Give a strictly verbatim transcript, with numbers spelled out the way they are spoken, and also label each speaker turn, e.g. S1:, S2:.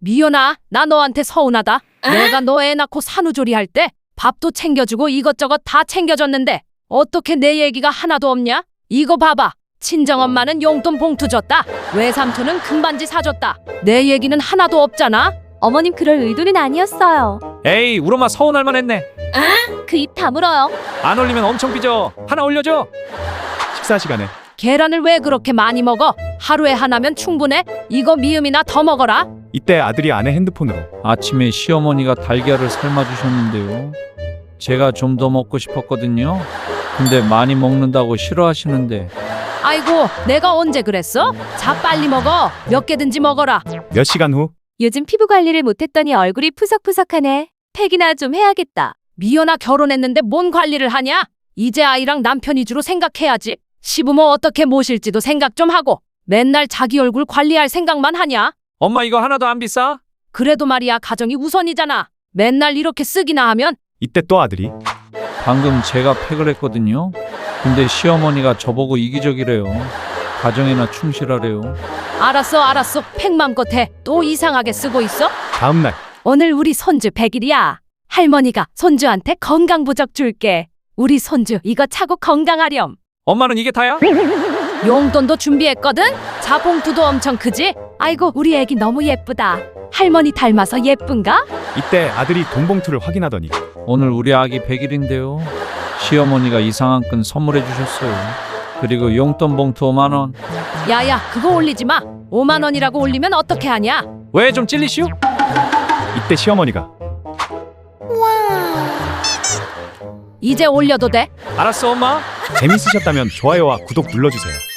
S1: 미연아, 나 너한테 서운하다. 내가 너 애 낳고 산후조리 할 때 밥도 챙겨주고 이것저것 다 챙겨줬는데 어떻게 내 얘기가 하나도 없냐? 이거 봐봐. 친정엄마는 용돈 봉투 줬다. 외삼촌은 금반지 사줬다. 내 얘기는 하나도 없잖아.
S2: 어머님 그럴 의도는 아니었어요.
S3: 에이, 우리 엄마 서운할 만했네.
S2: 그 입 다물어요.
S3: 안 올리면 엄청 삐져. 하나 올려줘.
S4: 식사 시간에
S1: 계란을 왜 그렇게 많이 먹어? 하루에 하나면 충분해. 이거 미음이나 더 먹어라.
S4: 이때 아들이 아내 핸드폰으로
S3: 아침에 시어머니가 달걀을 삶아주셨는데요. 제가 좀 더 먹고 싶었거든요. 근데 많이 먹는다고 싫어하시는데.
S1: 아이고, 내가 언제 그랬어? 자, 빨리 먹어. 몇 개든지 먹어라.
S4: 몇 시간 후
S2: 요즘 피부 관리를 못했더니 얼굴이 푸석푸석하네. 팩이나 좀 해야겠다.
S1: 미연아, 결혼했는데 뭔 관리를 하냐? 이제 아이랑 남편 위주로 생각해야지. 시부모 어떻게 모실지도 생각 좀 하고 맨날 자기 얼굴 관리할 생각만 하냐?
S3: 엄마 이거 하나도 안 비싸?
S1: 그래도 말이야, 가정이 우선이잖아. 맨날 이렇게 쓰기나 하면.
S4: 이때 또 아들이
S3: 방금 제가 팩을 했거든요. 근데 시어머니가 저보고 이기적이래요. 가정에나 충실하래요.
S1: 알았어 알았어, 팩맘껏 해. 또 이상하게 쓰고 있어?
S4: 다음날
S1: 오늘 우리 손주 백 일이야. 할머니가 손주한테 건강부적 줄게. 우리 손주 이거 차고 건강하렴.
S3: 엄마는 이게 다야?
S1: 용돈도 준비했거든? 자봉투도 엄청 크지? 아이고, 우리 애기 너무 예쁘다. 할머니 닮아서 예쁜가?
S4: 이때 아들이 돈 봉투를 확인하더니
S3: 오늘 우리 아기 백 일인데요. 시어머니가 이상한 끈 선물해 주셨어요. 그리고 용돈 봉투 오만 원.
S1: 야야, 그거 올리지 마. 오만 원이라고 올리면 어떻게 하냐?
S3: 왜 좀 찔리시오?
S4: 이때 시어머니가
S1: 이제 올려도 돼?
S3: 알았어 엄마.
S4: 재밌으셨다면 좋아요와 구독 눌러주세요.